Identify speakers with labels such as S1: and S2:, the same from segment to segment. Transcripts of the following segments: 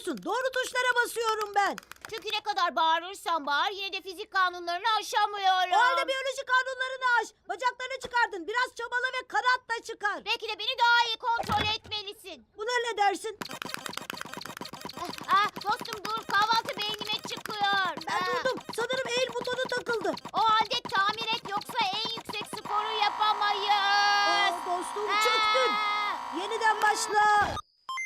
S1: yapıyorsun? Doğru tuşlara basıyorum ben.
S2: Çünkü ne kadar bağırırsan bağır yine de fizik kanunlarını aşamıyorum.
S1: O halde biyoloji kanunlarını aş. Bacaklarını çıkardın. Biraz çabala ve kanatla çıkar.
S2: Belki de beni daha iyi kontrol etmelisin.
S1: Buna ne dersin?
S2: Dostum dur, kahvaltı beynime çıkıyor.
S1: Ben durdum. Sanırım eğil butonu takıldı.
S2: O halde tamir et yoksa en yüksek sporu yapamayız.
S1: Dostum çöktün. Yeniden başla.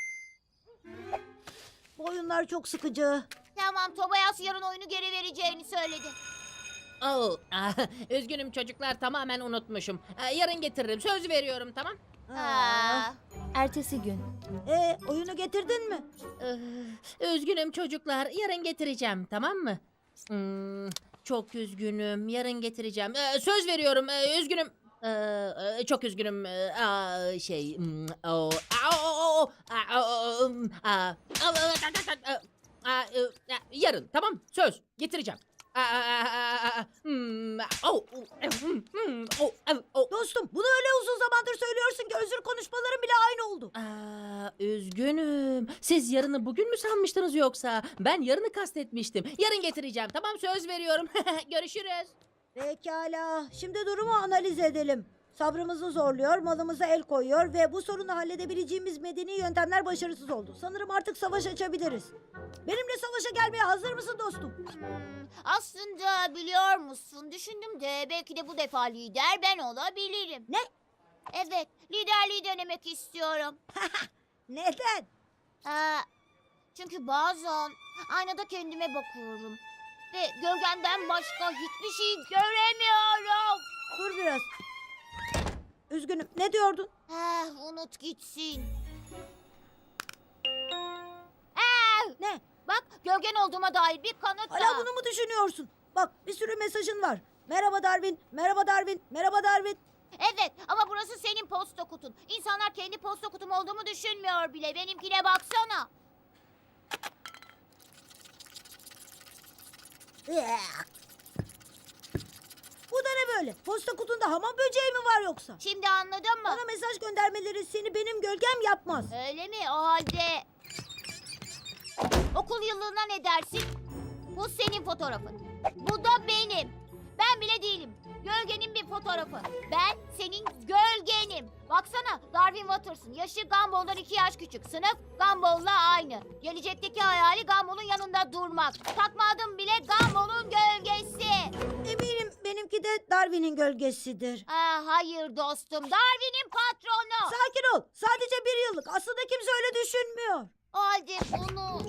S1: Bu oyunlar çok sıkıcı.
S2: Tamam, Tobias yarın oyunu geri vereceğini söyledi.
S3: Oh, üzgünüm çocuklar, tamamen unutmuşum. Yarın getiririm, söz veriyorum, tamam?
S4: Ertesi gün.
S1: Oyunu getirdin mi?
S3: Üzgünüm çocuklar, yarın getireceğim, tamam mı? Çok üzgünüm, yarın getireceğim. Söz veriyorum, üzgünüm. Çok üzgünüm. Yarın, tamam, söz getireceğim.
S1: Dostum bunu öyle uzun zamandır söylüyorsun ki özür konuşmaların bile aynı oldu.
S3: Üzgünüm. Siz yarını bugün mü sanmıştınız yoksa? Ben yarını kastetmiştim. Yarın getireceğim. Tamam, söz veriyorum. Görüşürüz.
S1: Pekala. Şimdi durumu analiz edelim. Sabrımızı zorluyor, malımıza el koyuyor ve bu sorunu halledebileceğimiz medeni yöntemler başarısız oldu. Sanırım artık savaş açabiliriz. Benimle savaşa gelmeye hazır mısın dostum?
S2: Aslında biliyor musun, düşündüm de belki de bu defa lider ben olabilirim.
S1: Ne?
S2: Evet, liderliği denemek istiyorum.
S1: Neden?
S2: Çünkü bazen aynada kendime bakıyorum ve gölgemden başka hiçbir şey göremiyorum.
S1: Dur biraz. Üzgünüm. Ne diyordun?
S2: Unut gitsin.
S1: Ne?
S2: Bak, gölgen olduğuma dair bir kanıt
S1: Hala
S2: daha.
S1: bunu mu düşünüyorsun? Bak bir sürü mesajın var. Merhaba Darwin, merhaba Darwin, merhaba Darwin.
S2: Evet, ama burası senin posta kutun. İnsanlar kendi posta kutum olduğumu düşünmüyor bile. Benimkine baksana.
S1: Bu da ne böyle? Posta kutunda hamam böceği mi var yoksa?
S2: Şimdi anladın mı?
S1: Bana mesaj göndermeleri seni benim gölgem yapmaz.
S2: Öyle mi? O halde... Okul yıllığına ne dersin? Bu senin fotoğrafın. Bu da benim. Ben bile değilim. Gölgenin bir fotoğrafı. Ben senin gölgenim. Baksana, Darwin Watters'ın. Yaşı Gumball'dan 2 yaş küçük. Sınıf Gumball'la aynı. Gelecekteki hayali Gumball'un yanında durmak. Takma adım bile Gumball'un gölgesi.
S1: Eminim benimki de Darwin'in gölgesidir.
S2: Hayır dostum. Darwin'in patronu.
S1: Sakin ol. Sadece bir yıllık. Aslında kimse öyle düşünmüyor.
S2: O halde bunu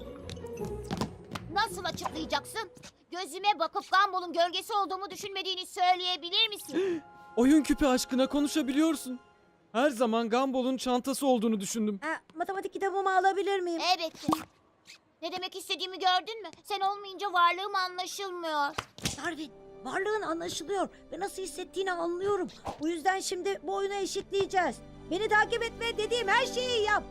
S2: nasıl açıklayacaksın? Gözüme bakıp Gumball'un gölgesi olduğumu düşünmediğini söyleyebilir misin?
S5: Oyun küpü aşkına konuşabiliyorsun. Her zaman Gumball'un çantası olduğunu düşündüm.
S1: Matematik kitabımı alabilir miyim?
S2: Evet. Ne demek istediğimi gördün mü? Sen olmayınca varlığım anlaşılmıyor.
S1: Darwin, varlığın anlaşılıyor ve nasıl hissettiğini anlıyorum. Bu yüzden şimdi bu oyunu eşitleyeceğiz. Beni takip et ve dediğim her şeyi yap.